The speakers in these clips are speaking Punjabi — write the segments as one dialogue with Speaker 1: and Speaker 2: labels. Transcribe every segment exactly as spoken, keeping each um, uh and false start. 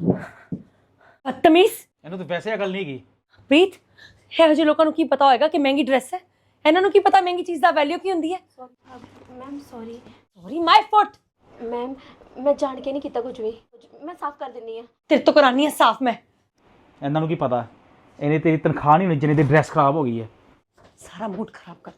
Speaker 1: ਬਦਤਮੀਜ਼।
Speaker 2: ਇਹਨੂੰ ਤਾਂ ਵੈਸੇ ਅਕਲ ਨਹੀਂ ਗਈ।
Speaker 1: ਪ੍ਰੀਤ, ਇਹੋ ਜਿਹੇ ਲੋਕਾਂ ਨੂੰ ਕੀ ਪਤਾ ਹੋਏਗਾ ਕਿ ਮਹਿੰਗੀ ਡਰੈਸ ਹੈ? ਇਹਨਾਂ ਨੂੰ ਕੀ ਪਤਾ ਮਹਿੰਗੀ ਚੀਜ਼ ਦਾ ਵੈਲਿਊ ਕੀ ਹੁੰਦੀ ਹੈ?
Speaker 3: Ma'am sorry
Speaker 1: sorry my foot.
Speaker 3: Ma'am मैं जान के नहीं किया कुछ भी मैं साफ कर देनी है
Speaker 1: ਤੇਰੇ ਤੋਂ ਕਰਾਨੀ ਹੈ ਸਾਫ਼ ਮੈਂ।
Speaker 2: ਇਹਨਾਂ ਨੂੰ ਕੀ ਪਤਾ ਇਹਨੇ ਤੇਰੀ ਤਨਖਾਹ ਨਹੀਂ ਹੋਣੀ ਜਿੰਨੇ ਦੀ ਡਰੈਸ ਖਰਾਬ ਹੋ ਗਈ ਹੈ।
Speaker 1: ਸਾਰਾ ਮੂਡ ਖਰਾਬ ਕਰਤਾ।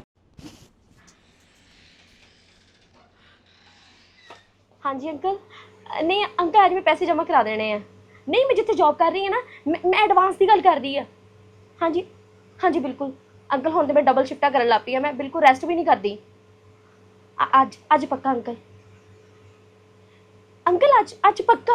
Speaker 3: हाँ जी अंकल नहीं अंकल आज मैं पैसे जमा करा देने हैं नहीं मैं जिथे जॉब कर रही है ना मैं, मैं एडवांस की गल कर रही है हाँ जी हाँ जी बिल्कुल अंकल हुण तो मैं डबल शिफ्टा करन लग पई है मैं बिल्कुल रेस्ट भी नहीं करती आज आज पक्का अंकल अंकल आज आज पक्का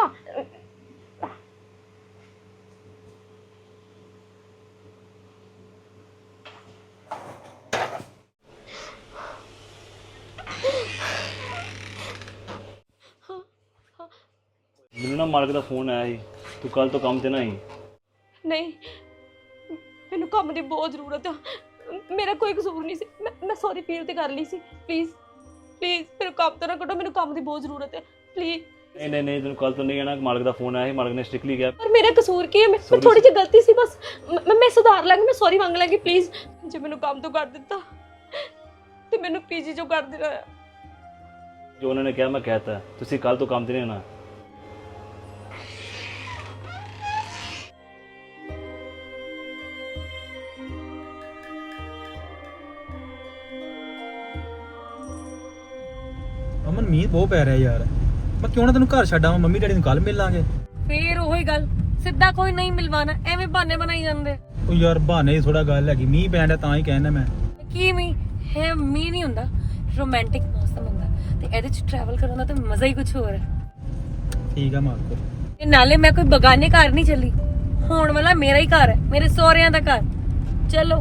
Speaker 4: ਮੈਨੂੰ ਨਾ ਮਾਲਕ ਦਾ ਫੋਨ ਆਇਆ ਸੀ ਤੂੰ ਕੱਲ ਤੋਂ ਕੰਮ ਤੇ ਨਾ ਆਈ।
Speaker 3: नहीं मैनू काम की बहुत जरूरत है मेरा कोई कसूर नहीं सी मैं मैं सॉरी फील तो कर ली सी प्लीज़ प्लीज़ मेरे काम तो ना कटो मैनू काम की बहुत जरूरत है प्लीज़
Speaker 4: ਨਹੀਂ ਨਹੀਂ ਨਹੀਂ ਤੈਨੂੰ ਕੱਲ ਤੋਂ ਨਹੀਂ ਆਣਾ। ਮਾਲਕ ਦਾ ਫੋਨ आया ਸੀ ਮਾਲਕ ਨੇ ਸਟ੍ਰਿਕਟਲੀ ਕਿਹਾ।
Speaker 3: पर मेरा कसूर की है मैं मैं थोड़ी जी गलती सी बस मैं मैं सुधार लांगी मैं सॉरी मांग लांगी प्लीज़ जे मैनू काम तो कर दिता ते मैनू पीजी जो कर देना है
Speaker 4: ਜੋ ਉਹਨਾਂ ਨੇ ਕਿਹਾ ਮੈਂ ਕਹਿਤਾ ਤੁਸੀਂ ਕੱਲ ਤੋਂ ਕੰਮ ਤੇ ਨਹੀਂ ਆਣਾ।
Speaker 2: ਅਮਨ ਮੀਂਹ ਬਹੁਤ ਪੈ ਰਿਹਾ ਯਾਰ। ਮੈਂ ਕਿਉਂ ਨਾ ਤੈਨੂੰ ਘਰ ਛੱਡ ਆਵਾਂ, ਮੰਮੀ ਡੈਡੀ ਨੂੰ ਕੱਲ ਮਿਲ ਲਾਂਗੇ।
Speaker 1: ਫੇਰ ਉਹੀ ਗੱਲ, ਸਿੱਧਾ ਕੋਈ ਨਹੀਂ ਮਿਲਵਾਣਾ, ਐਵੇਂ ਬਹਾਨੇ ਬਣਾਈ ਜਾਂਦੇ।
Speaker 2: ਉਹ ਯਾਰ ਬਹਾਨੇ ਦੀ ਥੋੜਾ ਗੱਲ ਹੈਗੀ, ਮੀਂਹ ਪੈਣ ਡਿਆ ਤਾਂ ਹੀ ਕਹਿਣਾ ਮੈਂ।
Speaker 1: ਕੀ ਮੀਂਹ ਹੈ? ਮੀਂਹ ਨਹੀਂ ਹੁੰਦਾ, ਰੋਮਾਂਟਿਕ ਮੌਸਮ ਹੁੰਦਾ ਤੇ ਇਹਦੇ ਚ ਟਰੈਵਲ ਕਰਨ ਦਾ ਤਾਂ ਮਜ਼ਾ ਹੀ ਕੁਝ ਹੋਰ ਹੈ।
Speaker 2: ਠੀਕ ਆ ਮਾਲਕੋ।
Speaker 1: ਤੇ ਨਾਲੇ ਮੈਂ ਕੋਈ ਬਗਾਨੇ ਘਰ ਨਹੀਂ ਚੱਲੀ, ਹੋਣ ਵਾਲਾ ਮੇਰਾ ਹੀ ਘਰ ਹੈ, ਮੇਰੇ ਸਹੁਰਿਆਂ ਦਾ ਘਰ। ਚਲੋ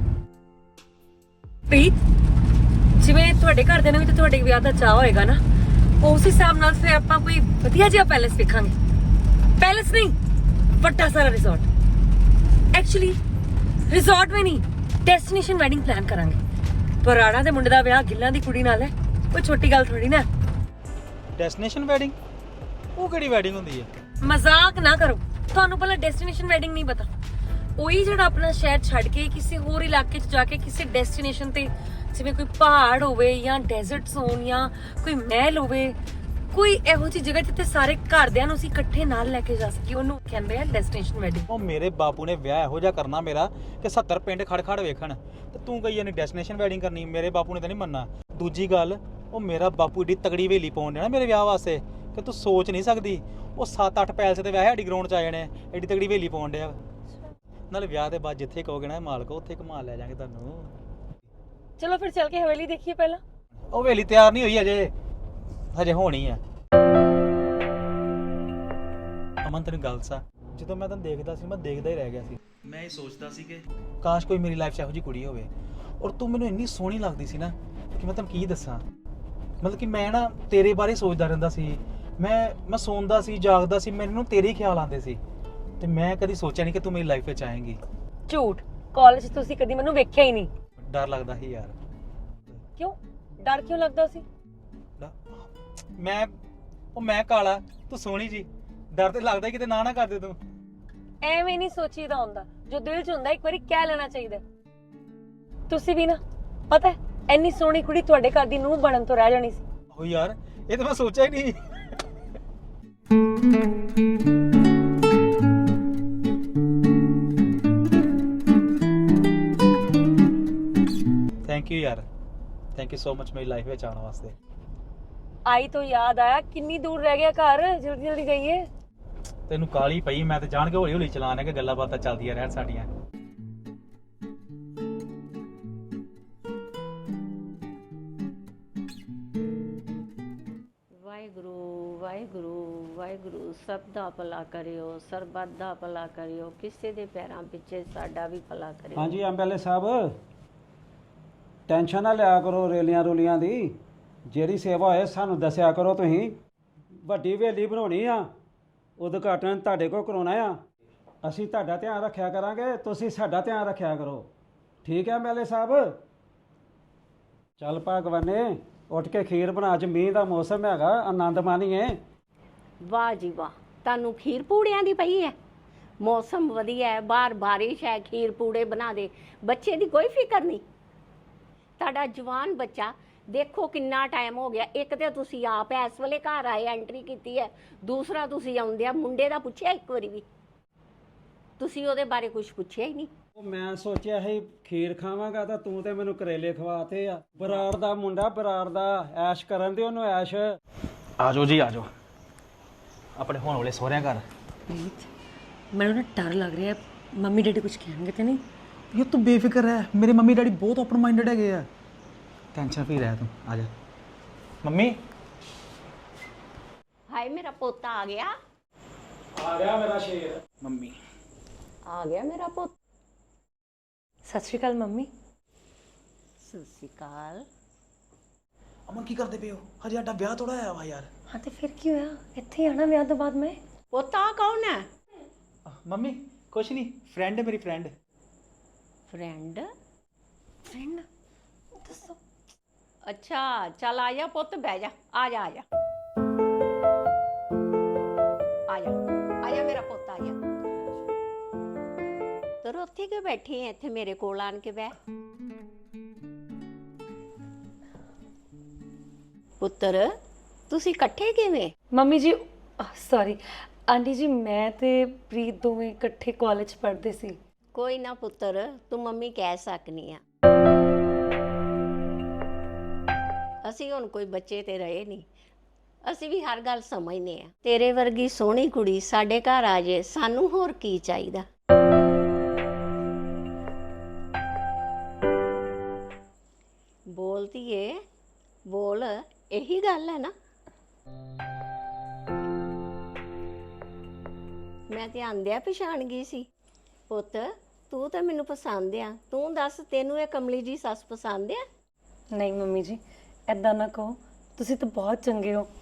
Speaker 1: ਪ੍ਰੀਤ, ਜਿਵੇਂ ਤੁਹਾਡੇ ਘਰ ਦੇ ਨਾਲ ਵੀ ਤੇ ਤੁਹਾਡੇ ਵਿਆਹ ਦਾ ਚਾਹ ਹੋਏਗਾ ਨਾ, ਉਸ ਹਿਸਾਬ ਨਾਲ ਫਿਰ ਆਪਾਂ ਕੋਈ ਵਧੀਆ ਜਿਹਾ ਪੈਲੇਸ ਵੇਖਾਂਗੇ। ਪੈਲੇਸ ਨਹੀਂ, ਵੱਡਾ ਸਾਰਾ ਰਿਜ਼ੋਰਟ। ਐਕਚੁਅਲੀ ਰਿਜ਼ੋਰਟ ਵੀ ਨਹੀਂ, ਡੈਸਟੀਨੇਸ਼ਨ ਵੈਡਿੰਗ ਪਲਾਨ ਕਰਾਂਗੇ। ਪਰਾੜਾ ਦੇ ਮੁੰਡੇ ਦਾ ਵਿਆਹ ਗਿੱਲਾਂ ਦੀ ਕੁੜੀ ਨਾਲ ਹੈ, ਕੋਈ ਛੋਟੀ ਗੱਲ ਥੋੜੀ ਨਾ।
Speaker 2: Destination wedding? ਉਹ ਕਿਹੜੀ ਵੈਡਿੰਗ ਹੁੰਦੀ ਹੈ?
Speaker 1: ਮਜ਼ਾਕ ਨਾ ਕਰੋ, ਤੁਹਾਨੂੰ ਪਹਿਲਾਂ ਡੈਸਟੀਨੇਸ਼ਨ ਵੈਡਿੰਗ ਨਹੀਂ ਪਤਾ। ਉਹੀ ਜਿਹੜਾ ਆਪਣਾ ਸ਼ਹਿਰ ਛੱਡ ਕੇ ਕਿਸੇ ਹੋਰ ਇਲਾਕੇ 'ਚ ਜਾ ਕੇ ਕਿਸੇ ਡੈਸਟੀਨੇਸ਼ਨ ਤੇ, ਜਿਵੇਂ ਕੋਈ ਪਹਾੜ ਹੋਵੇ ਜਾਂ ਡੈਜ਼ਰਟਸ ਹੋਣ ਜਾਂ ਕੋਈ ਮਹਿਲ ਹੋਵੇ, ਕੋਈ ਇਹੋ ਜਿਹੀ ਜਗ੍ਹਾ ਜਿੱਥੇ ਸਾਰੇ ਘਰਦਿਆਂ ਨੂੰ ਅਸੀਂ ਇਕੱਠੇ ਨਾਲ ਲੈ ਕੇ ਜਾ ਸਕੀਏ, ਉਹਨੂੰ ਕਹਿੰਦੇ ਆ ਡੈਸਟੀਨੇਸ਼ਨ ਵੈਡਿੰਗ।
Speaker 2: ਉਹ ਮੇਰੇ ਬਾਪੂ ਨੇ ਵਿਆਹ ਇਹੋ ਜਿਹਾ ਕਰਨਾ ਮੇਰਾ ਕਿ ਸੱਤਰ ਪਿੰਡ ਖੜ ਖੜ ਵੇਖਣ, ਤੇ ਤੂੰ ਕਹੀ ਜਾਨੀ ਡੈਸਟੀਨੇਸ਼ਨ ਵੈਡਿੰਗ ਕਰਨੀ। ਮੇਰੇ ਬਾਪੂ ਨੇ ਤਾਂ ਨਹੀਂ ਮੰਨਣਾ। ਦੂਜੀ ਗੱਲ, ਉਹ ਮੇਰਾ ਬਾਪੂ ਏਡੀ ਤਗੜੀ ਹਵੇਲੀ ਪਾਉਣ ਦੇਣਾ ਮੇਰੇ ਵਿਆਹ ਵਾਸਤੇ ਕਿ ਤੂੰ ਸੋਚ ਨਹੀਂ ਸਕਦੀ। ਉਹ ਸੱਤ ਅੱਠ ਪੈਲਸ ਤੇ ਵਿਆਹ ਸਾਡੀ ਗਰਾਊਂਡ 'ਚ ਆ ਜਾਣੇ, ਏਡੀ ਤਗੜੀ ਹਵੇਲੀ ਪਾਉਣ ਡਿਆ। ਨਾਲੇ ਵਿਆਹ ਦੇ ਬਾਅਦ ਜਿੱਥੇ ਕਹੋਗੇ ਨਾ ਮਾਲਕ, ਉੱਥੇ ਘੁਮਾ ਲੈ ਜਾਾਂਗੇ ਤੁਹਾਨੂੰ।
Speaker 1: ਚਲੋ ਫਿਰ ਚੱਲ ਕੇ ਹਵੇਲੀ ਦੇਖੀਏ ਪਹਿਲਾਂ।
Speaker 2: ਉਹ ਹਵੇਲੀ ਤਿਆਰ ਨਹੀਂ ਹੋਈ ਅਜੇ, ਹਜੇ ਹੋਣੀ ਆ। ਅਮਨ ਤੈਨੂੰ ਗੱਲ ਸਾ, ਜਦੋਂ ਮੈਂ ਤੈਨੂੰ ਦੇਖਦਾ ਸੀ ਮੈਂ ਦੇਖਦਾ ਹੀ ਰਹਿ ਗਿਆ ਸੀ।
Speaker 4: ਮੈਂ ਇਹ ਸੋਚਦਾ ਸੀ ਕਿ
Speaker 2: ਕਾਸ਼ ਕੋਈ ਮੇਰੀ ਲਾਈਫ 'ਚ ਇਹੋ ਜਿਹੀ ਕੁੜੀ ਹੋਵੇ। ਔਰ ਤੂੰ ਮੈਨੂੰ ਇੰਨੀ ਸੋਹਣੀ ਲੱਗਦੀ ਸੀ ਨਾ ਕਿ ਮੈਂ ਤੈਨੂੰ ਕੀ ਦੱਸਾਂ। ਮਤਲਬ ਕਿ ਮੈਂ ਨਾ ਤੇਰੇ ਬਾਰੇ ਸੋਚਦਾ ਰਹਿੰਦਾ ਸੀ। ਮੈਂ ਮੈਂ ਸੌਂਦਾ ਸੀ, ਜਾਗਦਾ ਸੀ, ਮੈਨੂੰ ਤੇਰੇ ਹੀ ਖਿਆਲ ਆਉਂਦੇ ਸੀ। ਤੇ ਮੈਂ ਕਦੀ ਸੋਚਿਆ ਨਹੀਂ ਕਿ ਤੂੰ ਮੇਰੀ ਲਾਈਫ ਵਿੱਚ ਆਏਂਗੀ।
Speaker 1: ਝੂਠ, ਕਾਲਜ ਤੁਸੀਂ ਕਦੀ ਮੈਨੂੰ ਵੇਖਿਆ ਹੀ ਨਹੀਂ।
Speaker 2: ਡਰ ਲੱਗਦਾ ਸੀ ਯਾਰ।
Speaker 1: ਕਿਉਂ ਡਰ ਕਿਉਂ ਲੱਗਦਾ ਸੀ?
Speaker 2: ਮੈਂ ਉਹ ਮੈਂ ਕਾਲਾ, ਤੂੰ ਸੋਹਣੀ ਜੀ, ਡਰ ਤੇ ਲੱਗਦਾ ਕਿਤੇ ਨਾ ਨਾ ਕਰ ਦੇ ਤੂੰ।
Speaker 1: ਐਵੇਂ ਨਹੀਂ ਸੋਚੀਦਾ ਹੁੰਦਾ, ਜੋ ਦਿਲ 'ਚ ਹੁੰਦਾ ਇੱਕ ਵਾਰੀ ਕਹਿ ਲੈਣਾ ਚਾਹੀਦਾ। ਤੁਸੀਂ ਵੀ ਨਾ, ਪਤਾ ਐਨੀ ਸੋਹਣੀ ਕੁੜੀ ਤੁਹਾਡੇ ਘਰ ਦੀ ਨੂੰਹ ਬਣਨ ਤੋਂ ਰਹਿ ਜਾਣੀ ਸੀ।
Speaker 2: ਉਹ ਯਾਰ ਇਹ ਤਾਂ ਮੈਂ ਸੋਚਿਆ ਹੀ ਨਹੀਂ। ਥੈਂਕ ਯੂ ਯਾਰ, ਥੈਂਕ ਯੂ ਸੋ ਮਚ ਮੇਰੀ ਲਾਈਫ ਵਿੱਚ ਆਉਣ ਵਾਸਤੇ।
Speaker 1: ਆਈ ਤੋਂ ਯਾਦ ਆਇਆ, ਕਿੰਨੀ ਦੂਰ ਰਹਿ ਗਿਆ ਘਰ, ਜਲਦੀ ਜਲਦੀ ਜਾਈਏ।
Speaker 2: ਤੈਨੂੰ ਕਾਲੀ ਪਈ, ਮੈਂ ਤੇ ਜਾਣ ਕੇ ਹੌਲੀ ਹੌਲੀ ਚਲਾਣਾ ਕਿ ਗੱਲਾਂ ਬਾਤਾਂ ਚੱਲਦੀਆਂ ਰਹਿਣ ਸਾਡੀਆਂ।
Speaker 5: ਵਾਹਿਗੁਰੂ ਵਾਹਿਗੁਰੂ ਵਾਹਿਗੁਰੂ, ਸਭ ਦਾ ਭਲਾ ਕਰਿਓ, ਸਰਬੱਤ ਦਾ ਭਲਾ ਕਰਿਓ, ਕਿਸੇ ਦੇ ਪੈਰਾਂ ਪਿੱਛੇ ਸਾਡਾ ਵੀ ਭਲਾ ਕਰਿਓ।
Speaker 6: ਹਾਂਜੀ ਐਮਐਲਏ ਸਾਹਿਬ, ਟੈਨਸ਼ਨ ਨਾ ਲਿਆ ਕਰੋ ਰੇਲੀਆਂ ਰੂਲੀਆਂ ਦੀ। ਜਿਹੜੀ ਸੇਵਾ ਹੋਏ ਸਾਨੂੰ ਦੱਸਿਆ ਕਰੋ। ਤੁਸੀਂ ਵੱਡੀ ਹਵੇਲੀ ਬਣਾਉਣੀ ਆ, ਉਦਘਾਟਨ ਤੁਹਾਡੇ ਕੋਲ ਕਰਾਉਣਾ ਆ। ਅਸੀਂ ਤੁਹਾਡਾ ਧਿਆਨ ਰੱਖਿਆ ਕਰਾਂਗੇ, ਤੁਸੀਂ ਸਾਡਾ ਧਿਆਨ ਰੱਖਿਆ ਕਰੋ। ਠੀਕ ਹੈ ਐਮਐਲਏ ਸਾਹਿਬ? ਚੱਲ ਭਗਵਾਨੇ, ਉੱਠ ਕੇ ਖੀਰ ਬਣਾ, ਅੱਜ ਮੀਂਹ ਦਾ ਮੌਸਮ ਹੈਗਾ, ਆਨੰਦ ਮਾਣੀਏ।
Speaker 5: ਵਾਹ ਜੀ ਵਾਹ, ਤੁਹਾਨੂੰ ਖੀਰ ਪੂੜਿਆਂ ਦੀ ਪਈ ਹੈ? ਮੌਸਮ ਵਧੀਆ ਹੈ, ਬਾਹਰ ਬਾਰਿਸ਼ ਹੈ, ਖੀਰ ਪੂੜੇ ਬਣਾ ਦੇ। ਬੱਚੇ ਦੀ ਕੋਈ ਫਿਕਰ ਨਹੀਂ। ਤੁਹਾਡਾ ਜਵਾਨ ਬੱਚਾ ਦੇਖੋ ਕਿੰਨਾ ਟਾਈਮ ਹੋ ਗਿਆ। ਇੱਕ ਤੇ ਤੁਸੀਂ ਆਪ ਇਸ ਵੇਲੇ ਘਰ ਆਏ, ਐਂਟਰੀ ਕੀਤੀ ਹੈ, ਦੂਸਰਾ ਤੁਸੀਂ ਆਉਂਦਿਆਂ ਮੁੰਡੇ ਦਾ ਪੁੱਛਿਆ ਇੱਕ ਵਾਰੀ ਵੀ? ਤੁਸੀਂ ਉਹਦੇ ਬਾਰੇ ਕੁਝ ਪੁੱਛਿਆ ਹੀ ਨਹੀਂ।
Speaker 6: ਉਹ ਮੈਂ ਸੋਚਿਆ ਸੀ ਖੀਰ ਖਾਵਾਂਗਾ ਤਾਂ ਤੂੰ ਤੇ ਮੈਨੂੰ ਕਰੇਲੇ ਖਵਾਤੇ ਆ। ਬਰਾੜ ਦਾ ਮੁੰਡਾ, ਬਰਾੜ ਦਾ, ਐਸ਼ ਕਰਨ ਦੇ ਉਹਨੂੰ ਐਸ਼।
Speaker 2: ਆ ਜਾਓ ਜੀ, ਆ ਜਾਓ ਆਪਣੇ ਹੋਣ ਵਾਲੇ ਸਹੁਰਿਆਂ ਘਰ।
Speaker 1: ਪ੍ਰੀਤ ਮੈਨੂੰ ਨਾ ਡਰ ਲੱਗ ਰਿਹਾ ਹੈ ਮੰਮੀ ਡੈਡੀ ਕੁਝ ਕਹਿਣਗੇ ਤੇ ਨਹੀਂ?
Speaker 2: ਯਾਰ ਤੂੰ ਬੇਫਿਕਰ ਰਹਿ, ਮੇਰੇ ਮੰਮੀ ਡੈਡੀ ਬਹੁਤ ਓਪਨ ਮਾਈਂਡਡ ਹੈਗੇ ਆ। ਟੈਨਸ਼ਨ ਫਰੀ ਰਹਿ ਤੂੰ, ਆ ਜਾ। ਮੰਮੀ
Speaker 5: ਹਾਏ ਮੇਰਾ ਪੋਤਾ ਆ ਗਿਆ,
Speaker 6: ਆ ਗਿਆ ਮੇਰਾ ਸ਼ੇਰ।
Speaker 2: ਮੰਮੀ
Speaker 5: ਆ ਗਿਆ ਮੇਰਾ ਪੁੱਤ।
Speaker 1: ਸਤਿ ਸ਼੍ਰੀ ਅਕਾਲ ਮੰਮੀ।
Speaker 5: ਸਤਿ ਸ਼੍ਰੀ ਅਕਾਲ।
Speaker 2: ਅਮਨ ਕੀ ਕਰਦੇ ਪਏ ਹੋ? ਹਜੇ ਸਾਡਾ ਵਿਆਹ ਥੋੜਾ ਆਇਆ ਵਾ ਯਾਰ।
Speaker 1: ਹਾਂ ਤੇ ਫਿਰ ਕੀ ਹੋਇਆ, ਇੱਥੇ ਆਣਾ ਵਿਆਹ ਤੋਂ ਬਾਅਦ ਮੈਂ।
Speaker 5: ਪੋਤਾ ਕੌਣ ਹੈ?
Speaker 2: ਮੰਮੀ ਕੁਛ ਨਹੀਂ, ਫਰੈਂਡ ਹੈ ਮੇਰੀ, ਫਰੈਂਡ।
Speaker 5: ਫਰੈਂਡ?
Speaker 1: ਫਰੈਂਡ ਦੱਸੋ।
Speaker 5: ਅੱਛਾ ਚੱਲ ਆ ਜਾ ਪੁੱਤ, ਬਹਿ ਜਾ, ਆ ਜਾ ਆ ਜਾ ਆ ਜਾ ਆ ਜਾ ਮੇਰਾ ਪੁੱਤ, ਆ ਜਾ। ਤਰ ਉੱਥੇ ਕਿਉਂ ਬੈਠੀ ਐ? ਇੱਥੇ ਮੇਰੇ ਕੋਲ ਆਣ ਕੇ ਬਹਿ। ਪੁੱਤਰ ਤੁਸੀਂ ਇਕੱਠੇ ਕਿਵੇਂ?
Speaker 1: ਮੰਮੀ ਜੀ ਸੌਰੀ ਆਂਟੀ ਜੀ, ਮੈਂ ਤੇ ਪ੍ਰੀਤ ਦੋਵੇਂ ਇਕੱਠੇ ਕਾਲਜ ਪੜ੍ਹਦੇ ਸੀ।
Speaker 5: ਕੋਈ ਨਾ ਪੁੱਤਰ, ਤੂੰ ਮੰਮੀ ਕਹਿ ਸਕਨੀ ਆ। ਅਸੀਂ ਹੁਣ ਕੋਈ ਬੱਚੇ ਤੇ ਰਹੇ ਨਹੀਂ, ਅਸੀਂ ਵੀ ਹਰ ਗੱਲ ਸਮਝਨੇ ਆ। ਤੇਰੇ ਵਰਗੀ ਸੋਹਣੀ ਕੁੜੀ ਸਾਡੇ ਘਰ ਆ ਜੇ, ਸਾਨੂੰ ਹੋਰ ਕੀ ਚਾਹੀਦਾ। ਬੋਲਦੀ ਏ, ਬੋਲ, ਇਹੀ ਗੱਲ ਹੈ ਨਾ। ਮੈਂ ਤੇ ਆਂਦਿਆ ਪਛਾਣ ਗਈ ਸੀ। ਪੁੱਤ ਤੂੰ ਤਾਂ ਮੈਨੂੰ ਪਸੰਦ ਆ, ਤੂੰ ਦੱਸ ਤੈਨੂੰ ਇਹ ਕਮਲੀ ਜੀ ਸੱਸ ਪਸੰਦ ਆ?
Speaker 1: ਨਹੀਂ ਮੰਮੀ ਜੀ ਐਦਾਂ ਨਾ ਕਹੋ, ਤੁਸੀਂ ਤਾਂ ਬਹੁਤ ਚੰਗੇ ਹੋ।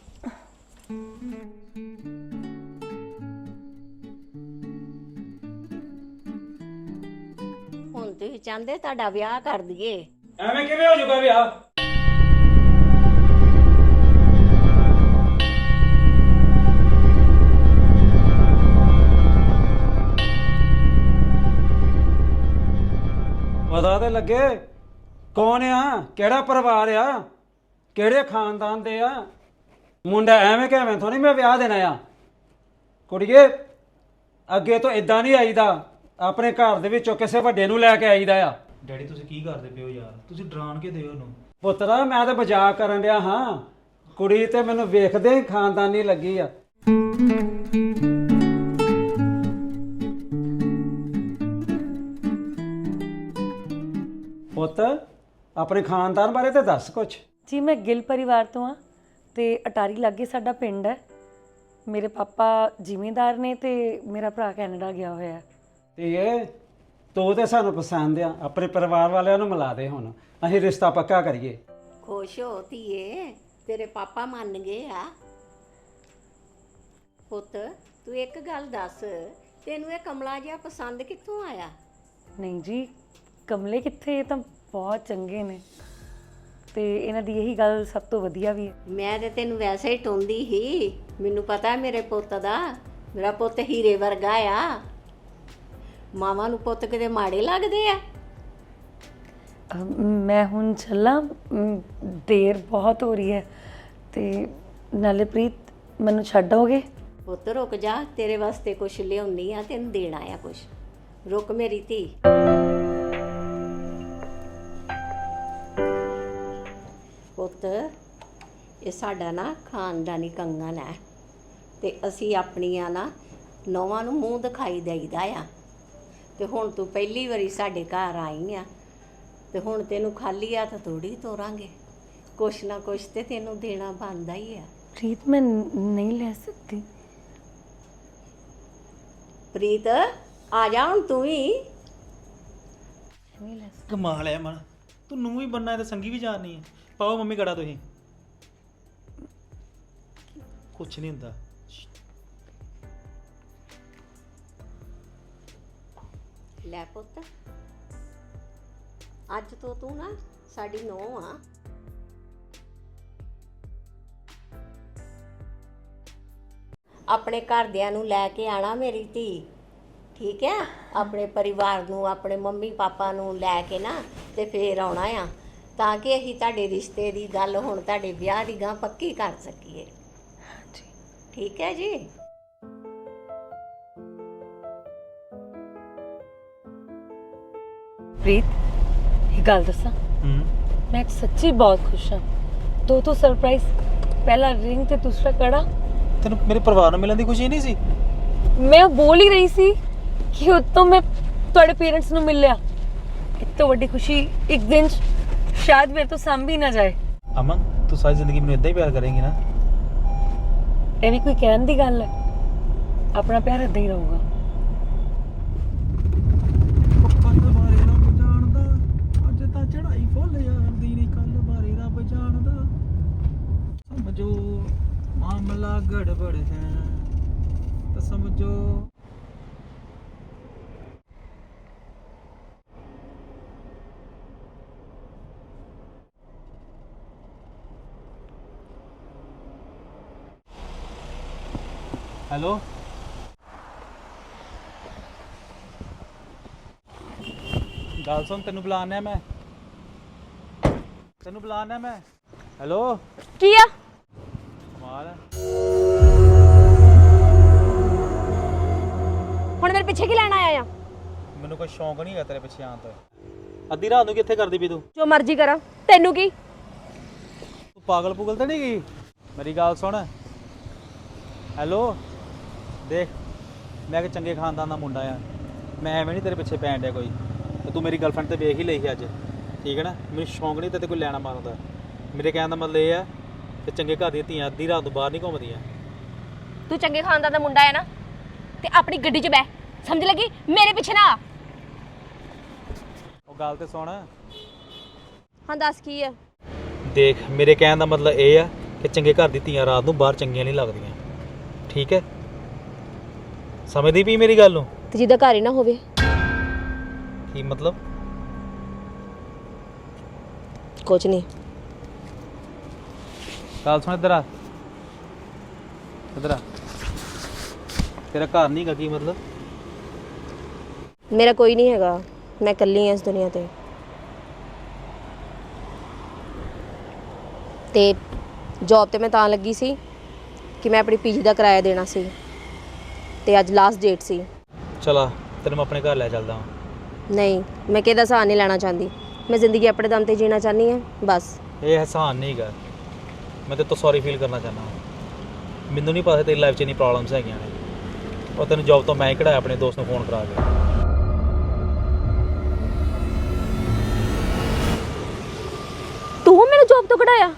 Speaker 5: ਹੁਣ ਤੁਸੀਂ ਚਾਹੁੰਦੇ ਤੁਹਾਡਾ ਵਿਆਹ ਕਰ ਦਈਏ?
Speaker 6: ਐਵੇਂ ਕਿਵੇਂ ਹੋ ਜਾਊਗਾ ਵਿਆਹ? ਪਤਾ ਤੇ ਲੱਗੇ ਕੌਣ ਆ, ਕਿਹੜਾ ਪਰਿਵਾਰ ਆ, ਕਿਹੜੇ ਖਾਨਦਾਨ ਦੇ ਆ। ਮੁੰਡਾ ਐਵੇਂ ਕਿਵੇਂ ਥੋੜੀ ਮੈਂ ਵਿਆਹ ਦੇਣਾ ਆ। ਕੁੜੀਏ ਅੱਗੇ ਤੋਂ ਇਦਾਂ ਨਹੀਂ ਆਈਦਾ, ਆਪਣੇ ਘਰ ਦੇ ਵਿੱਚੋਂ ਕਿਸੇ ਵੱਡੇ ਨੂੰ ਲੈ ਕੇ ਆਈਦਾ ਆ।
Speaker 2: ਡੈਡੀ ਤੁਸੀਂ ਕੀ ਕਰਦੇ ਪਏ ਹੋ ਯਾਰ? ਤੁਸੀਂ ਡਰਾਣ ਕੇ ਦਿਓ ਉਹਨੂੰ।
Speaker 6: ਪੁੱਤਰਾ ਮੈਂ ਤਾਂ ਮਜ਼ਾਕ ਕਰਨ ਡਿਆ ਹਾਂ, ਕੁੜੀ ਤੇ ਮੈਨੂੰ ਵੇਖਦੇ ਹੀ ਖਾਨਦਾਨੀ ਲੱਗੀ ਆ। ਪੁੱਤ ਆਪਣੇ ਖਾਨਦਾਨ ਬਾਰੇ ਤੇ ਦੱਸ ਕੁਛ।
Speaker 1: ਜੀ ਮੈਂ ਗਿੱਲ ਪਰਿਵਾਰ ਤੋਂ ਆ ਤੇ ਅਟਾਰੀ ਲਾਗੇ ਸਾਡਾ ਪਿੰਡ ਹੈ। ਮੇਰੇ ਪਾਪਾ ਜ਼ਿਮੀਂਦਾਰ ਨੇ ਤੇ ਮੇਰਾ ਭਰਾ ਕੈਨੇਡਾ ਗਿਆ ਹੋਇਆ ਹੈ।
Speaker 6: ਤੇ ਇਹ ਤੂੰ ਤੇ ਸਾਨੂੰ ਪਸੰਦ ਆ, ਆਪਣੇ ਪਰਿਵਾਰ ਵਾਲਿਆਂ ਨੂੰ ਮਿਲਾ ਦੇ, ਹੁਣ ਅਸੀਂ ਰਿਸ਼ਤਾ ਪੱਕਾ ਕਰੀਏ।
Speaker 5: ਖੁਸ਼ ਹੋ ਧੀਏ, ਤੇਰੇ ਪਾਪਾ ਮੰਨ ਗਏ ਆ। ਪੁੱਤ ਤੂੰ ਇੱਕ ਗੱਲ ਦੱਸ, ਤੈਨੂੰ ਇਹ ਕਮਲਾ ਜਿਹਾ ਪਸੰਦ ਕਿੱਥੋਂ ਆਇਆ?
Speaker 1: ਨਹੀਂ ਜੀ ਕਮਲੇ ਕਿੱਥੇ, ਇਹ ਤਾਂ ਬਹੁਤ ਚੰਗੇ ਨੇ ਤੇ ਇਹਨਾਂ ਦੀ ਇਹੀ ਗੱਲ ਸਭ ਤੋਂ ਵਧੀਆ ਵੀ ਹੈ।
Speaker 5: ਮੈਂ ਤੇ ਤੈਨੂੰ ਵੈਸੇ ਹੀ ਟੋਂਦੀ ਹੀ, ਮੈਨੂੰ ਪਤਾ ਮੇਰੇ ਪੁੱਤ ਦਾ, ਮੇਰਾ ਪੁੱਤ ਹੀਰੇ ਵਰਗਾ ਆ। ਮਾਵਾਂ ਨੂੰ ਪੁੱਤ ਕਿਤੇ ਮਾੜੇ ਲੱਗਦੇ ਆ?
Speaker 1: ਅਮ, ਮੈਂ ਹੁਣ ਚੱਲਾਂ, ਅਮ, ਦੇਰ ਬਹੁਤ ਹੋ ਰਹੀ ਹੈ ਤੇ ਨਾਲੇ ਪ੍ਰੀਤ ਮੈਨੂੰ ਛੱਡੋਗੇ?
Speaker 5: ਪੁੱਤ ਰੁਕ ਜਾ, ਤੇਰੇ ਵਾਸਤੇ ਕੁਛ ਲਿਆਉਣੀ ਆ, ਤੈਨੂੰ ਦੇਣਾ ਆ ਕੁਛ। ਰੁਕ ਮੇਰੀ ਧੀ। ਪੁੱਤ ਇਹ ਸਾਡਾ ਨਾ ਖਾਨਦਾਨੀ ਕੰਗਣ ਹੈ ਤੇ ਅਸੀਂ ਆਪਣੀਆਂ ਨਾ ਨੌਵਾਂ ਨੂੰ ਮੂੰਹ ਦਿਖਾਈ ਦੇਈਦਾ ਆ। ਤੇ ਹੁਣ ਤੂੰ ਪਹਿਲੀ ਵਾਰੀ ਸਾਡੇ ਘਰ ਆਈ ਆ ਤੇ ਹੁਣ ਤੈਨੂੰ ਖਾਲੀ ਹੱਥ ਥੋੜੀ ਤੋਰਾਂਗੇ, ਕੁਛ ਨਾ ਕੁਛ ਤੇ ਤੈਨੂੰ ਦੇਣਾ ਬਣਦਾ ਹੀ ਆ।
Speaker 1: ਪ੍ਰੀਤ ਮੈਂ ਨਹੀਂ ਲੈ ਸਕਦੀ।
Speaker 5: ਪ੍ਰੀਤ ਆ ਜਾ ਹੁਣ ਤੂੰ ਵੀ।
Speaker 1: ਨਹੀਂ ਲੈ ਸਕਦੀ।
Speaker 2: ਕਮਾਲ ਹੈ ਮਨ, ਤੂੰ ਨੂੰ ਵੀ ਬੰਨਾ ਤੇ ਸੰਗੀ ਵੀ ਜਾਣਨੀ ਹੈ। ਪਾਓ ਮੰਮੀ ਕੜਾ ਤੁਸੀਂ। ਕੁਛ ਨਹੀਂ ਹੁੰਦਾ।
Speaker 5: ਲੈ ਪੁੱਤ, ਅੱਜ ਤੋਂ ਤੂੰ ਨਾ ਸਾਡੀ ਨੂੰਹ ਆ। ਆਪਣੇ ਘਰਦਿਆਂ ਨੂੰ ਲੈ ਕੇ ਆਣਾ ਮੇਰੀ ਧੀ, ਠੀਕ ਹੈ? ਆਪਣੇ ਪਰਿਵਾਰ ਨੂੰ, ਆਪਣੇ ਮੰਮੀ ਪਾਪਾ ਨੂੰ ਲੈ ਕੇ ਨਾ ਤੇ ਫੇਰ ਆਉਣਾ ਆ, ਤਾਂ ਕਿ ਅਸੀਂ ਤੁਹਾਡੇ ਰਿਸ਼ਤੇ ਦੀ ਗੱਲ ਹੁਣ ਤੁਹਾਡੇ ਵਿਆਹ ਦੀ ਗਾਂ ਪੱਕੀ ਕਰ ਸਕੀਏ। ਠੀਕ ਹੈ ਜੀ।
Speaker 1: ਪ੍ਰੀਤ, ਇਹ ਗੱਲ ਦੱਸਾਂ,
Speaker 2: ਹੂੰ
Speaker 1: ਮੈਂ ਸੱਚੀ ਬਹੁਤ ਖੁਸ਼ ਹਾਂ। ਦੋ ਦੋ ਸਰਪ੍ਰਾਈਜ਼, ਪਹਿਲਾ ਰਿੰਗ ਤੇ ਦੂਸਰਾ ਕੜਾ।
Speaker 2: ਤੈਨੂੰ ਮੇਰੇ ਪਰਿਵਾਰ ਨੂੰ ਮਿਲਣ ਦੀ ਖੁਸ਼ੀ ਨਹੀਂ ਸੀ?
Speaker 1: ਮੈਂ ਬੋਲ ਹੀ ਰਹੀ ਸੀ ਕਿ ਉਤੋਂ ਮੈਂ ਤੁਹਾਡੇ ਪੇਰੈਂਟਸ ਨੂੰ ਮਿਲ ਲਿਆ। ਇਹ ਤੋਂ ਵੱਡੀ ਖੁਸ਼ੀ ਇੱਕ ਦਿਨ 'ਚ ਸ਼ਾਇਦ ਮੇਰੇ ਤੋਂ ਸੰਭੀ ਨਾ ਜਾਏ।
Speaker 2: ਅਮਨ, ਤੂੰ ਸਾਰੀ ਜ਼ਿੰਦਗੀ ਮੈਨੂੰ ਇਦਾਂ ਹੀ ਪਿਆਰ ਕਰੇਂਗੀ ਨਾ?
Speaker 1: ਇਹ ਵੀ ਕੋਈ ਕਹਿਣ ਦੀ ਗੱਲ ਹੈ? ਆਪਣਾ ਪਿਆਰ ਇਦਾਂ ਹੀ ਰਹੂਗਾ।
Speaker 2: ਕੱਲ ਬਾਰੇ ਰੱਬ ਜਾਣਦਾ, ਅੱਜ ਤਾਂ ਚੜਾਈ ਫੁੱਲ ਜਾਂਦੀ ਨਹੀਂ। ਕੱਲ ਬਾਰੇ ਰੱਬ ਜਾਣਦਾ, ਸਮਝੋ ਮਾਮਲਾ ਗੜਬੜ ਹੈ ਤਾਂ ਸਮਝੋ। ਹੈਲੋ, ਗੱਲ ਸੁਣ, ਤੈਨੂੰ ਬੁਲਾਣਾ ਮੈਂ, ਤੈਨੂੰ ਬੁਲਾਣਾ ਮੈਂ। ਹੈਲੋ,
Speaker 3: ਕੀ ਆ?
Speaker 2: ਕਮਾਲ ਹੈ।
Speaker 3: ਹੁਣ ਮੇਰੇ ਪਿੱਛੇ ਕੀ ਲੈਣ ਆਇਆ ਆ?
Speaker 2: ਮੈਨੂੰ ਕੋਈ ਸ਼ੌਂਕ ਨਹੀਂ ਹੈ ਤੇਰੇ ਪਿੱਛੇ ਆਉਣ ਦਾ। ਅੱਧੀ ਰਾਤ ਨੂੰ ਕਿੱਥੇ ਕਰਦੀ ਪਈ ਤੂੰ?
Speaker 3: ਜੋ ਮਰਜ਼ੀ ਕਰਾਂ, ਤੈਨੂੰ ਕੀ?
Speaker 2: ਤੂੰ ਪਾਗਲ ਪੁਗਲ ਤਾਂ ਨਹੀਂ ਗਈ? ਮੇਰੀ ਗੱਲ ਸੁਣ। ਹੈਲੋ, ਦੇਖ, ਮੈਂ ਕਿ ਚੰਗੇ ਖਾਨਦਾਨ ਦਾ ਮੁੰਡਾ ਆ, ਮੈਂ ਐਵੇਂ ਨਹੀਂ ਤੇਰੇ ਪਿੱਛੇ ਪੈਣ ਡਿਆ ਕੋਈ। ਤੇ ਤੂੰ ਮੇਰੀ ਗਰਲਫ੍ਰੈਂਡ ਤੇ ਵੇਖ ਹੀ ਲਈ ਸੀ ਅੱਜ, ਠੀਕ ਹੈ ਨਾ? ਮੈਨੂੰ ਸ਼ੌਂਕ ਨਹੀਂ ਤੇ ਕੋਈ ਲੈਣਾ ਮਾਰਦਾ। ਮੇਰੇ ਕਹਿਣ ਦਾ ਮਤਲਬ ਇਹ ਆ ਕਿ ਚੰਗੇ ਘਰ ਦੀਆਂ ਧੀਆਂ ਅੱਧੀ ਰਾਤ ਤੋਂ ਬਾਹਰ ਨਹੀਂ ਘੁੰਮਦੀਆਂ।
Speaker 3: ਤੂੰ ਚੰਗੇ ਖਾਨਦਾਨ ਦਾ ਮੁੰਡਾ ਹੈ ਨਾ, ਤੇ ਆਪਣੀ ਗੱਡੀ 'ਚ ਬਹਿ, ਸਮਝ ਲੱਗੀ? ਮੇਰੇ ਪਿੱਛੇ ਨਾ ਆ।
Speaker 2: ਉਹ ਗੱਲ ਤੇ ਸੁਣ।
Speaker 3: ਹਾਂ ਦੱਸ ਕੀ ਆ?
Speaker 2: ਦੇਖ, ਮੇਰੇ ਕਹਿਣ ਦਾ ਮਤਲਬ ਇਹ ਆ ਕਿ ਚੰਗੇ ਘਰ ਦੀ ਧੀਆਂ ਰਾਤ ਨੂੰ ਬਾਹਰ ਚੰਗੀਆਂ ਨਹੀਂ ਲੱਗਦੀਆਂ, ਠੀਕ ਹੈ? ਸਮਝਦੀ ਪਈ ਮੇਰੀ ਗੱਲ ਨੂੰ?
Speaker 3: ਤੇ ਜਿਹਦਾ ਘਰ ਹੀ ਨਾ ਹੋਵੇ।
Speaker 2: ਕੀ ਮਤਲਬ?
Speaker 3: ਕੁਝ ਨਹੀਂ।
Speaker 2: ਗੱਲ ਸੁਣ, ਇੱਧਰ ਆ, ਇੱਧਰ ਆ। ਤੇਰਾ ਘਰ ਨਹੀਂ ਗਾ, ਕੀ ਮਤਲਬ?
Speaker 3: ਮੇਰਾ ਕੋਈ ਨਹੀਂ ਹੈਗਾ, ਮੈਂ ਇਕੱਲੀ ਹਾਂ ਇਸ ਦੁਨੀਆ ਤੇ। ਤੇ ਜੌਬ ਤੇ ਮੈਂ ਤਾਂ ਲੱਗੀ ਸੀ ਕਿ ਮੈਂ ਆਪਣੀ ਪੀਜੀ ਦਾ ਕਿਰਾਇਆ ਦੇਣਾ ਸੀ, ਤੇ ਅੱਜ ਲਾਸਟ ਡੇਟ ਸੀ।
Speaker 2: ਚਲਾ, ਤੈਨੂੰ ਮੈਂ ਆਪਣੇ ਘਰ ਲੈ ਚੱਲਦਾ ਹਾਂ।
Speaker 3: ਨਹੀਂ, ਮੈਂ ਕਿਹਦਾ ਸਹਾਰਾ ਨਹੀਂ ਲੈਣਾ ਚਾਹੁੰਦੀ। ਮੈਂ ਜ਼ਿੰਦਗੀ ਆਪਣੇ ਦਮ ਤੇ ਜੀਣਾ ਚਾਹੁੰਦੀ ਹਾਂ, ਬਸ।
Speaker 2: ਇਹ ਅਹਿਸਾਨ ਨਹੀਂ ਗਾ, ਮੈਂ ਤੇ ਤੋਂ ਸੌਰੀ ਫੀਲ ਕਰਨਾ ਚਾਹੁੰਦਾ ਹਾਂ। ਮੈਨੂੰ ਨਹੀਂ ਪਤਾ ਤੇਰੀ ਲਾਈਫ 'ਚ ਇੰਨੀ ਪ੍ਰੋਬਲਮਸ ਹੈਗੀਆਂ ਨੇ। ਉਹ ਤੈਨੂੰ ਜੌਬ ਤੋਂ ਮੈਂ ਹੀ ਕਢਾਇਆ ਆਪਣੇ ਦੋਸਤ ਨੂੰ ਫੋਨ ਕਰਾ ਕੇ।
Speaker 3: ਤੂੰ ਮੈਨੂੰ ਜੌਬ ਤੋਂ ਕਢਾਇਆ?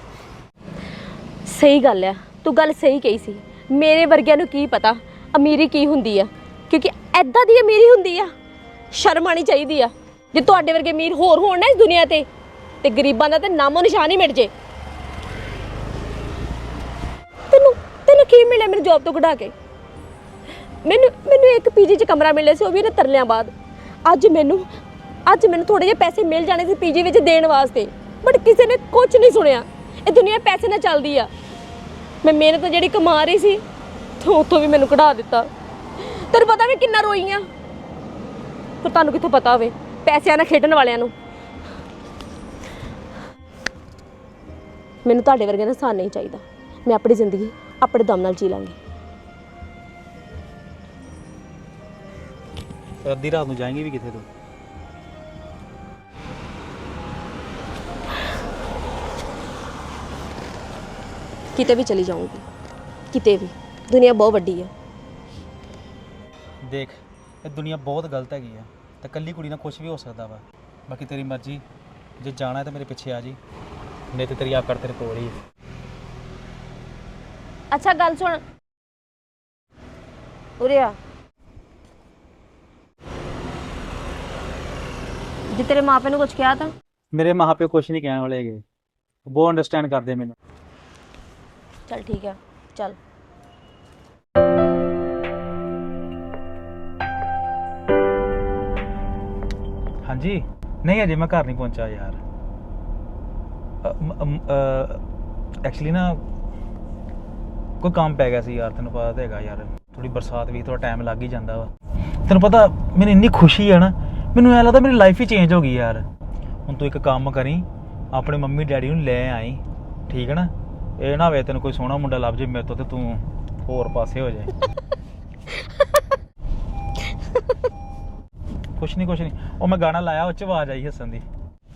Speaker 3: ਸਹੀ ਗੱਲ ਆ, ਤੂੰ ਗੱਲ ਸਹੀ ਕਹੀ ਸੀ। ਮੇਰੇ ਵਰਗਿਆਂ ਨੂੰ ਕੀ ਪਤਾ ਅਮੀਰੀ ਕੀ ਹੁੰਦੀ ਆ, ਕਿਉਂਕਿ ਐਦਾਂ ਦੀ ਅਮੀਰੀ ਹੁੰਦੀ ਆ, ਸ਼ਰਮ ਆਣੀ ਚਾਹੀਦੀ ਆ। ਜੇ ਤੁਹਾਡੇ ਵਰਗੇ ਅਮੀਰ ਹੋਰ ਹੋਣ ਨਾ ਇਸ ਦੁਨੀਆ ਤੇ ਤੇ ਗਰੀਬਾਂ ਦਾ ਤੇ ਨਾਮੋ ਨਿਸ਼ਾਨ ਹੀ ਮਿਟ ਜੇ। ਤੈਨੂੰ ਤੈਨੂੰ ਕੀ ਮਿਲਿਆ ਮੈਨੂੰ ਜੌਬ ਤੋਂ ਕਢਾ ਕੇ? ਮੈਨੂੰ ਮੈਨੂੰ ਇੱਕ ਪੀਜੀ 'ਚ ਕਮਰਾ ਮਿਲਿਆ ਸੀ, ਉਹ ਵੀ ਇਹਨੇ ਤਰਲਿਆਂ ਬਾਅਦ। ਅੱਜ ਮੈਨੂੰ ਅੱਜ ਮੈਨੂੰ ਥੋੜੇ ਜਿਹੇ ਪੈਸੇ ਮਿਲ ਜਾਣੇ ਸੀ ਪੀਜੀ ਵਿੱਚ ਦੇਣ ਵਾਸਤੇ, ਬਟ ਕਿਸੇ ਨੇ ਕੁਝ ਨਹੀਂ ਸੁਣਿਆ। ਇਹ ਦੁਨੀਆ ਪੈਸੇ ਨਾਲ ਚੱਲਦੀ ਆ। ਮੈਂ ਮਿਹਨਤ ਜਿਹੜੀ ਕਮਾ ਰਹੀ ਸੀ, ਉੱਥੋਂ ਵੀ ਮੈਨੂੰ ਕਢਾ ਦਿੱਤਾ। ਤੈਨੂੰ ਪਤਾ ਵੀ ਕਿੰਨਾ ਰੋਈ ਆ, ਪਰ ਤੁਹਾਨੂੰ ਕਿੱਥੋਂ ਪਤਾ ਹੋਵੇ ਪੈਸਿਆਂ ਨਾਲ ਖੇਡਣ ਵਾਲਿਆਂ ਨੂੰ। ਮੈਨੂੰ ਤੁਹਾਡੇ ਵਰਗੇ ਦਾ ਸਾਥ ਨਹੀਂ ਚਾਹੀਦਾ। ਮੈਂ ਆਪਣੀ ਜ਼ਿੰਦਗੀ ਆਪਣੇ ਦਮ ਨਾਲ ਜੀ ਲਾਂਗੀ।
Speaker 2: ਅੱਧੀ ਰਾਤ ਨੂੰ ਜਾਏਂਗੀ ਵੀ ਕਿੱਥੇ ਤੂੰ?
Speaker 3: ਕਿਤੇ ਵੀ ਚਲੀ ਜਾਊਂਗੀ, ਕਿਤੇ ਵੀ। ਦੁਨੀਆ ਬਹੁਤ ਵੱਡੀ ਹੈ।
Speaker 2: ਦੇਖ, ਇਹ ਦੁਨੀਆ ਬਹੁਤ ਗਲਤ ਹੈਗੀ ਆ, ਤੇ ਇਕੱਲੀ ਕੁੜੀ ਨਾਲ ਕੁਝ ਵੀ ਹੋ ਸਕਦਾ ਵਾ। ਬਾਕੀ ਤੇਰੀ ਮਰਜ਼ੀ, ਜੇ ਜਾਣਾ ਹੈ ਤਾਂ ਮੇਰੇ ਪਿੱਛੇ ਆ ਜੀ, ਨਹੀਂ ਤੇ ਤੇਰੀ ਆਕੜ ਤੇਰੇ ਕੋਲ ਹੀ ਹੈ।
Speaker 3: ਅੱਛਾ ਗੱਲ ਸੁਣ, ਉਰੇ ਆ। ਜੇ ਤੇਰੇ ਮਾਪੇ ਨੂੰ ਕੁਝ ਕਿਹਾ ਤਾਂ?
Speaker 2: ਮੇਰੇ ਮਾਂ ਪਿਓ ਕੁਝ ਨਹੀਂ ਕਹਿਣ ਵਾਲੇ ਹੈਗੇ, ਬਹੁਤ ਅੰਡਰਸਟੈਂਡ ਕਰਦੇ ਮੈਨੂੰ।
Speaker 3: ਚੱਲ ਠੀਕ ਹੈ, ਚੱਲ।
Speaker 2: ਹਾਂਜੀ, ਨਹੀਂ ਅਜੇ ਮੈਂ ਘਰ ਨਹੀਂ ਪਹੁੰਚਾ ਯਾਰ। ਐਕਚੁਅਲੀ ਨਾ ਕੋਈ ਕੰਮ ਪੈ ਗਿਆ ਸੀ ਯਾਰ, ਤੈਨੂੰ ਪਤਾ ਤਾਂ ਹੈਗਾ ਯਾਰ, ਥੋੜੀ ਬਰਸਾਤ ਵੀ ਥੋੜਾ ਟਾਈਮ ਲੱਗ ਹੀ ਜਾਂਦਾ ਵਾ। ਤੈਨੂੰ ਪਤਾ ਮੈਨੂੰ ਇੰਨੀ ਖੁਸ਼ੀ ਹੈ ਨਾ, ਮੈਨੂੰ ਐਂ ਲੱਗਦਾ ਮੇਰੀ ਲਾਈਫ ਹੀ ਚੇਂਜ ਹੋ ਗਈ ਯਾਰ। ਹੁਣ ਤੂੰ ਇੱਕ ਕੰਮ ਕਰੀ, ਆਪਣੇ ਮੰਮੀ ਡੈਡੀ ਨੂੰ ਲੈ ਆਈ, ਠੀਕ ਹੈ ਨਾ? ਇਹ ਨਾ ਹੋਵੇ ਤੈਨੂੰ ਕੋਈ ਸੋਹਣਾ ਮੁੰਡਾ ਲੱਭ ਜੇ ਮੇਰੇ ਤੋਂ ਤੇ ਤੂੰ ਹੋਰ ਪਾਸੇ ਹੋ ਜਾਏ। ਕੁਛ ਨਹੀਂ ਕੁਛ ਨਹੀਂ, ਉਹ ਮੈਂ ਗਾਣਾ ਲਾਇਆ, ਉਹ 'ਚ ਆਵਾਜ਼ ਆਈ ਹੱਸਣ ਦੀ।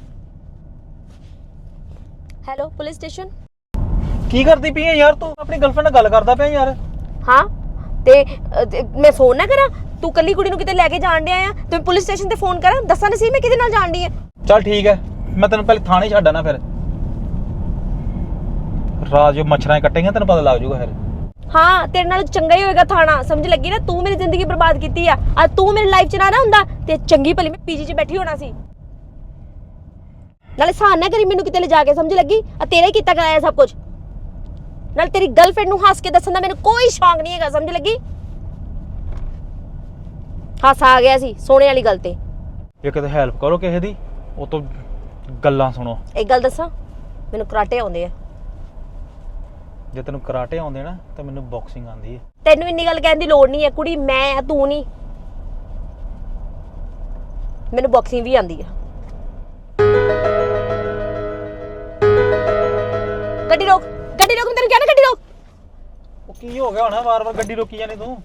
Speaker 3: Hello police station.
Speaker 2: ਕੀ ਕਰਦੀ ਪਈ ਹੈ ਯਾਰ ਤੂੰ? ਆਪਣੀ ਗਰਲਫ੍ਰੈਂਡ ਨਾਲ ਗੱਲ ਕਰਦਾ ਪਿਆ ਯਾਰ।
Speaker 3: ਹਾਂ ਤੇ ਅ, ਤੇ ਮੈਂ ਫੋਨ ਨਾ ਕਰਾਂ? ਤੂੰ ਕੱਲੀ ਕੁੜੀ ਨੂੰ ਕਿਤੇ ਲੈ ਕੇ ਜਾਣ ਡਿਆ ਆ ਤੇ ਮੈਂ ਪੁਲਿਸ ਸਟੇਸ਼ਨ ਤੇ ਫੋਨ ਕਰਾਂ? ਦੱਸਾਂ ਨਹੀਂ ਸੀ ਮੈਂ ਕਿਹਦੇ ਨਾਲ ਜਾਣ ਡਈ ਆ।
Speaker 2: ਚੱਲ ਠੀਕ ਹੈ, ਮੈਂ ਤੈਨੂੰ ਪਹਿਲੇ ਥਾਣੇ ਛੱਡ ਆਣਾ, ਫਿਰ ਰਾਤ ਜੋ ਮੱਛਰਾਂ ਕੱਟੇਂਗੇ ਤੈਨੂੰ ਪਤਾ ਲੱਗ ਜਾਊਗਾ ਫਿਰ।
Speaker 3: ਹਾਂ ਤੇਰੇ ਨਾਲ ਚੰਗਾ ਹੀ ਹੋਏਗਾ ਥਾਣਾ, ਸਮਝ ਲੱਗੀ ਨਾ? ਤੂੰ ਮੇਰੀ ਜ਼ਿੰਦਗੀ ਬਰਬਾਦ ਕੀਤੀ ਆ, ਅੱਜ ਤੂੰ ਮੇਰੀ ਲਾਈਫ ਚ ਨਾ ਨਾ ਹੁੰਦਾ ਤੇ ਚੰਗੀ ਭਲੀ ਮੈਂ ਪੀਜੀ 'ਚ ਬੈਠੀ ਹੋਣਾ ਸੀ। ਨਾਲੇ ਸਾਨ ਨਾ ਕਰੀ ਮੈਨੂੰ ਕਿਤੇ ਲੈ ਜਾ ਕੇ, ਸਮਝ ਲੱਗੀ? ਆ ਤੇਰਾ ਹੀ ਕੀਤਾ ਕਰਾਇਆ ਸਭ ਕੁਝ। ਨਾਲ ਤੇਰੀ ਗਰਲਫ੍ਰੈਂਡ ਨੂੰ ਹੱਸ ਕੇ ਦੱਸਣ ਦਾ ਮੈਨੂੰ ਕੋਈ ਸ਼ੌਂਕ ਨਹੀਂ ਹੈਗਾ, ਸਮਝ ਲੱਗੀ? ਹੱਸ ਆ ਗਿਆ ਸੀ ਸੋਹਣੇ ਵਾਲੀ ਗੱਲ ਤੇ।
Speaker 2: ਜੇ ਕਿਤੇ ਹੈਲਪ ਕਰੋ ਕਿਸੇ ਦੀ, ਉਹ ਤੋਂ ਗੱਲਾਂ ਸੁਣੋ।
Speaker 3: ਇੱਕ ਗੱਲ ਦੱਸਾਂ, ਮੈਨੂੰ ਕਰਾਟੇ ਆਉਂਦੇ ਆ।
Speaker 2: ਜੇ ਤੈਨੂੰ ਕਰਾਟੇ ਆਉਂਦੇ ਨਾ ਤਾਂ ਮੈਨੂੰ ਬਾਕਸਿੰਗ ਆਉਂਦੀ ਹੈ।
Speaker 3: ਤੈਨੂੰ ਇੰਨੀ ਗੱਲ ਕਹਿਣ ਦੀ ਲੋੜ ਨਹੀਂ ਹੈ, ਕੁੜੀ ਮੈਂ ਆ ਤੂੰ ਨਹੀਂ। ਮੈਨੂੰ ਬਾਕਸਿੰਗ ਵੀ ਆਉਂਦੀ ਆ। ਗੱਡੀ ਰੋਕ, ਗੱਡੀ ਰੋਕ, ਮੈਂ ਤੈਨੂੰ ਕਿਹਾ ਨਾ ਗੱਡੀ ਰੋਕ।
Speaker 2: ਉਹ ਕੀ ਹੋ ਗਿਆ ਹੁਣ, ਵਾਰ-ਵਾਰ ਗੱਡੀ ਰੋਕੀ ਜਾਂਦੀ ਤੂੰ?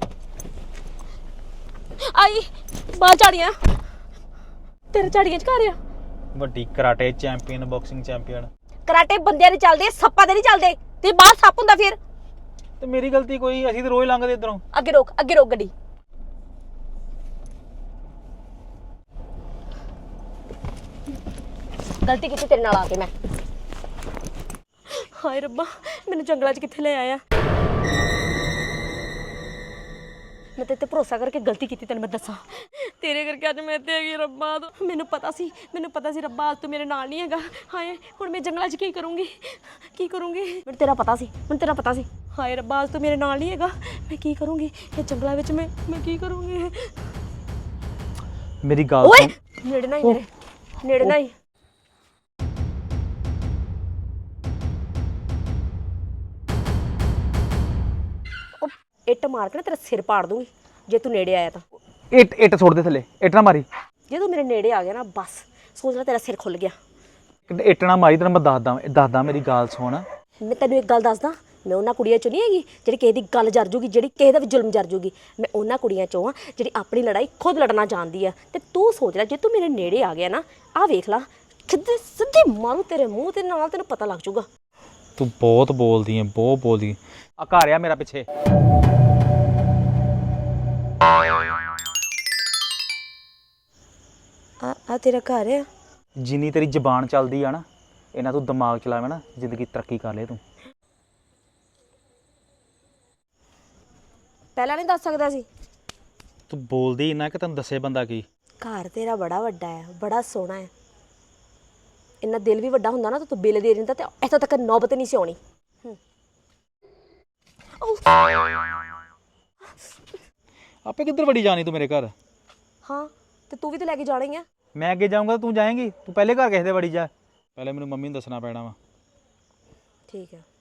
Speaker 3: ਆਈ ਬਾਹਰ ਝਾੜੀਆਂ, ਤੇਰੇ ਝਾੜੀਆਂ ਚ ਘਰ ਆ।
Speaker 2: ਵੱਡੀ karate champion, boxing champion.
Speaker 3: Karate ਬੰਦਿਆਂ ਦੇ ਚੱਲਦੇ, ਸੱਪਾਂ ਦੇ ਨਹੀਂ ਚੱਲਦੇ। ਤੇ ਬਾਹਰ ਸੱਪ ਹੁੰਦਾ ਫਿਰ?
Speaker 2: ਤੇ ਮੇਰੀ ਗਲਤੀ ਕੋਈ? ਅਸੀਂ ਤਾਂ ਰੋਜ਼ ਲੰਘਦੇ ਇਧਰੋਂ।
Speaker 3: ਅੱਗੇ ਰੋਕ, ਅੱਗੇ ਰੋਕ ਗੱਡੀ। ਗਲਤੀ ਕੀਤੀ ਤੇਰੇ ਨਾਲ ਆ ਕੇ ਮੈਂ। ਹਾਏ ਰੱਬਾ, ਮੈਨੂੰ ਜੰਗਲਾਂ 'ਚ ਕਿੱਥੇ ਲੈ ਆਇਆ। ਮੈਂ ਤੇਰੇ ਤੇ ਭਰੋਸਾ ਕਰਕੇ ਗਲਤੀ ਕੀਤੀ, ਤੈਨੂੰ ਮੈਂ ਦੱਸਾਂ। ਤੇਰੇ ਕਰਕੇ ਅੱਜ ਮੈਂ ਇੱਥੇ ਹੈਗੀ ਰੱਬਾ। ਮੈਨੂੰ ਪਤਾ ਸੀ, ਮੈਨੂੰ ਪਤਾ ਸੀ ਰੱਬਾ ਅੱਜ ਤੂੰ ਮੇਰੇ ਨਾਲ ਨਹੀਂ ਹੈਗਾ। ਹਾਏ ਹੁਣ ਮੈਂ ਜੰਗਲਾਂ 'ਚ ਕੀ ਕਰੂੰਗੀ, ਕੀ ਕਰੂੰਗੀ? ਮੈਨੂੰ ਤੇਰਾ ਪਤਾ ਸੀ, ਮੈਨੂੰ ਤੇਰਾ ਪਤਾ ਸੀ। ਹਾਏ ਰੱਬਾ ਅੱਜ ਤੂੰ ਮੇਰੇ ਨਾਲ ਨਹੀਂ ਹੈਗਾ, ਮੈਂ ਕੀ ਕਰੂੰਗੀ ਇਹ ਜੰਗਲਾਂ ਵਿੱਚ? ਮੈਂ ਮੈਂ ਕੀ ਕਰੂੰਗੀ?
Speaker 2: ਮੇਰੀ ਗੱਲ
Speaker 3: ਓਏ
Speaker 2: ਸੁਣ।
Speaker 3: ਨੇੜੇ ਨਾ ਹੀ ਮੇਰੇ, ਨੇੜੇ ਨਾ ਹੀ। ਇੱਟ ਮਾਰ ਕੇ ਨਾ ਤੇਰਾ ਸਿਰ ਪਾੜ ਦੂੰਗੀ ਜੇ ਤੂੰ ਨੇੜੇ ਆਇਆ ਤਾਂ।
Speaker 2: ਇੱਟ ਇੱਟ ਸੁੱਟ ਦੇ ਥੱਲੇ, ਇੱਟ ਨਾ ਮਾਰੀ।
Speaker 3: ਜੇ ਤੂੰ ਮੇਰੇ ਨੇੜੇ ਆ ਗਿਆ ਨਾ ਬਸ ਸੋਚ ਲੈ ਤੇਰਾ ਸਿਰ ਖੁੱਲ ਗਿਆ।
Speaker 2: ਇੱਟ ਨਾ ਮਾਰੀ, ਤੈਨੂੰ ਮੈਂ ਦੱਸਦਾ ਦੱਸਦਾ ਮੇਰੀ ਗੱਲ ਸੁਣ।
Speaker 3: ਮੈਂ ਤੈਨੂੰ ਇੱਕ ਗੱਲ ਦੱਸਦਾ, ਮੈਂ ਉਹਨਾਂ ਕੁੜੀਆਂ ਚੋਂ ਨਹੀਂ ਹੈਗੀ ਜਿਹੜੀ ਕਿਸੇ ਦੀ ਗੱਲ ਜਰ ਜੂਗੀ, ਜਿਹੜੀ ਕਿਸੇ ਦਾ ਵੀ ਜ਼ੁਲਮ ਜਰ ਜੂਗੀ। ਮੈਂ ਉਹਨਾਂ ਕੁੜੀਆਂ ਚੋਂ ਆ ਜਿਹੜੀ ਆਪਣੀ ਲੜਾਈ ਖੁਦ ਲੜਨਾ ਜਾਣਦੀ ਆ। ਤੇ ਤੂੰ ਸੋਚ ਲੈ ਜੇ ਤੂੰ ਮੇਰੇ ਨੇੜੇ ਆ ਗਿਆ ਨਾ, ਆਹ ਵੇਖ ਲਾ ਸਿੱਧੇ ਸਿੱਧੇ ਮਾਰੂ ਤੇਰੇ ਮੂੰਹ ਤੇ ਨਾਲ, ਤੈਨੂੰ ਪਤਾ ਲੱਗ ਜੂਗਾ।
Speaker 2: ਤੂੰ ਬਹੁਤ ਬੋਲਦੀ ਹੈ, ਬਹੁਤ ਬੋਲਦੀ। ਆ ਘਰ ਆ ਮੇਰਾ ਪਿੱਛੇ।
Speaker 3: ਆ ਆ ਤੇਰਾ ਘਰ ਆ?
Speaker 2: ਜਿੰਨੀ ਤੇਰੀ ਜ਼ਬਾਨ ਚੱਲਦੀ ਆ ਨਾ, ਇਹਨਾਂ ਤੂੰ ਦਿਮਾਗ ਚਲਾਵੇਂ ਨਾ, ਜ਼ਿੰਦਗੀ ਤਰੱਕੀ ਕਰ ਲੈ ਤੂੰ।
Speaker 3: ਪਹਿਲਾਂ ਨਹੀਂ ਦੱਸ ਸਕਦਾ ਸੀ?
Speaker 2: ਤੂੰ ਬੋਲਦੀ ਇੰਨਾ ਕਿ ਤੈਨੂੰ ਦੱਸੇ ਬੰਦਾ ਕੀ।
Speaker 3: ਘਰ ਤੇਰਾ ਬੜਾ ਵੱਡਾ ਹੈ, ਬੜਾ ਸੋਹਣਾ ਹੈ। ਇੰਨਾ ਦਿਲ ਵੀ ਵੱਡਾ ਹੁੰਦਾ ਨਾ ਤਾਂ ਤੂੰ ਬਿੱਲ ਦੇ ਦਿੰਦਾ ਤੇ ਇੱਥੋਂ ਤੱਕ ਨੌਬਤ ਨਹੀਂ ਸੀ ਆਉਣੀ।
Speaker 2: ਆਪੇ ਕਿੱਧਰ ਵੜੀ ਜਾਣੀ ਤੂੰ ਮੇਰੇ ਘਰ?
Speaker 3: ਹਾਂ ਤੇ ਤੂੰ ਵੀ ਤਾਂ ਲੈ ਕੇ ਜਾਣਾ ਹੀ ਆ।
Speaker 2: ਮੈਂ ਅੱਗੇ ਜਾਊਂਗਾ ਤੂੰ ਜਾਏਂਗੀ? ਤੂੰ ਪਹਿਲੇ ਘਰ ਕਿਸੇ ਦੇ ਵੜੀ ਜਾ। ਪਹਿਲੇ ਮੈਨੂੰ ਮੰਮੀ ਨੂੰ ਦੱਸਣਾ ਪੈਣਾ ਵਾ।
Speaker 3: ਠੀਕ ਹੈ।